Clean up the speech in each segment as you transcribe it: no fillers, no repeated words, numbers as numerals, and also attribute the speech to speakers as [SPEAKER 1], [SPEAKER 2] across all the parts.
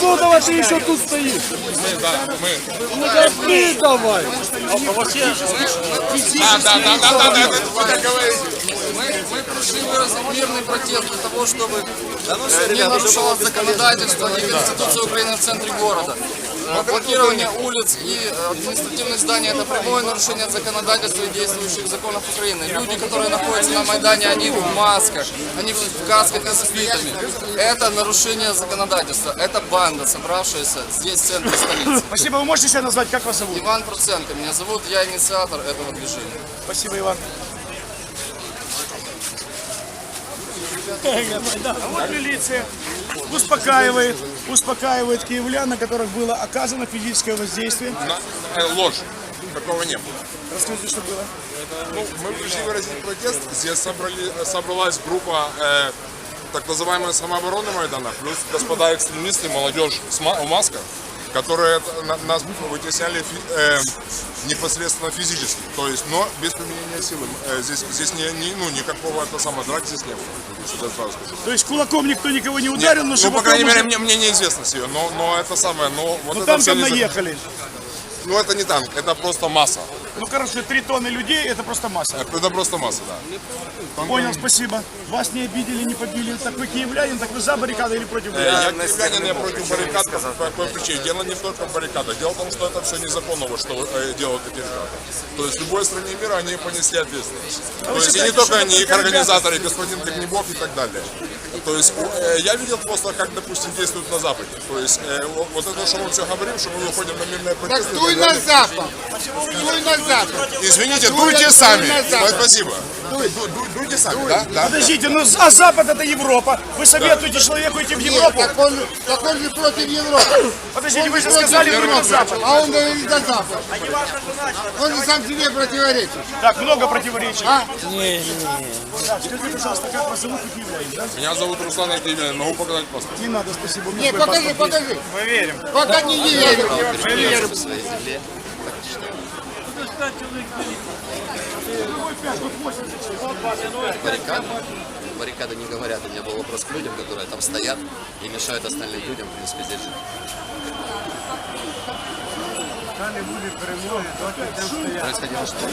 [SPEAKER 1] Ну давай, ты еще тут стоишь. Ну ты давай.
[SPEAKER 2] Мы пришли выразить мирный протест для того, чтобы не нарушалось законодательство и Конституция Украины в центре города. Блокирование улиц и административных зданий – это прямое нарушение законодательства и действующих законов Украины. Люди, которые находятся на Майдане, они в масках, они в касках и с свитами. Это нарушение законодательства. Это банда, собравшаяся здесь, в центре столицы.
[SPEAKER 1] Спасибо. Вы можете себя назвать? Как вас зовут?
[SPEAKER 2] Иван Проценко меня зовут, я инициатор этого движения.
[SPEAKER 1] Спасибо, Иван. А вот милиция успокаивает киевлян, на которых было оказано физическое воздействие.
[SPEAKER 3] Ложь. Такого не было.
[SPEAKER 1] Расскажите, что было.
[SPEAKER 3] Ну, мы пришли выразить протест. Здесь собралась группа так называемой самообороны Майдана, плюс господа экстремисты, молодежь в масках, которые нас вытесняли непосредственно физически, то есть, но без применения силы. Здесь никакого драки здесь не было.
[SPEAKER 1] То есть кулаком никто никого не ударил, но
[SPEAKER 3] по крайней мере, мне неизвестно ее, но это самое, но вот это
[SPEAKER 1] танком наехали.
[SPEAKER 3] Ну это не танк, это просто масса.
[SPEAKER 1] Ну короче, 3 тонны людей, это просто масса.
[SPEAKER 3] Это просто масса, да.
[SPEAKER 1] Понял, спасибо. Вас не обидели, не побили. Так вы киевлянин, так вы за баррикады или против баррикад?
[SPEAKER 3] Я киевлянин, я против баррикад. По какой причине? Дело не только в баррикадах. Дело в том, что это все незаконно, что делают эти ребята. То есть в любой стране мира они понесли ответственность. То есть и не только они, их организаторы, господин Огнебов и так далее. То есть я видел просто, как, допустим, действуют на Западе. То есть вот это, что мы все говорим, что мы выходим на мирные протесты.
[SPEAKER 4] Так дуй на Запад! Дуй на Запад!
[SPEAKER 3] Извините, дуйте сами. Спасибо. Дуйте сами, да?
[SPEAKER 1] Подождите, ну а Запад это Европа. Вы советуете человеку идти в Европу?
[SPEAKER 4] Так он же против Европы.
[SPEAKER 1] Подождите, вы же сказали дуй на Запад.
[SPEAKER 4] А он говорит на Запад. Он же сам себе противоречит.
[SPEAKER 1] Так, много противоречий.
[SPEAKER 4] Не.
[SPEAKER 1] Так, скажите, пожалуйста, как вас зовут, киевлянин, да?
[SPEAKER 3] Меня зовут Руслан Акиевлянин, могу показать паспорт.
[SPEAKER 1] Не надо, спасибо.
[SPEAKER 4] Не, покажи.
[SPEAKER 1] Мы верим.
[SPEAKER 4] Пока не верю.
[SPEAKER 1] Мы верим.
[SPEAKER 5] Баррикады не говорят. У меня был вопрос к людям, которые там стоят и мешают остальным людям, в принципе, здесь жить. Происходило что?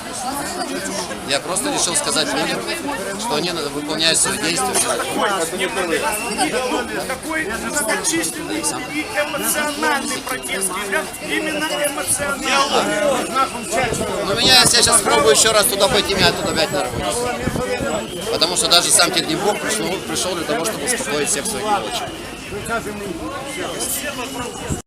[SPEAKER 5] Я просто решил сказать людям, что они выполняют свои действия.
[SPEAKER 1] Такой многочисленный и эмоциональный протест. Именно эмоциональный.
[SPEAKER 5] Но меня, я сейчас пробую еще раз туда пойти, меня оттуда опять нарвут. Потому что даже сам Огнебов пришел для того, чтобы успокоить всех своих рабочих.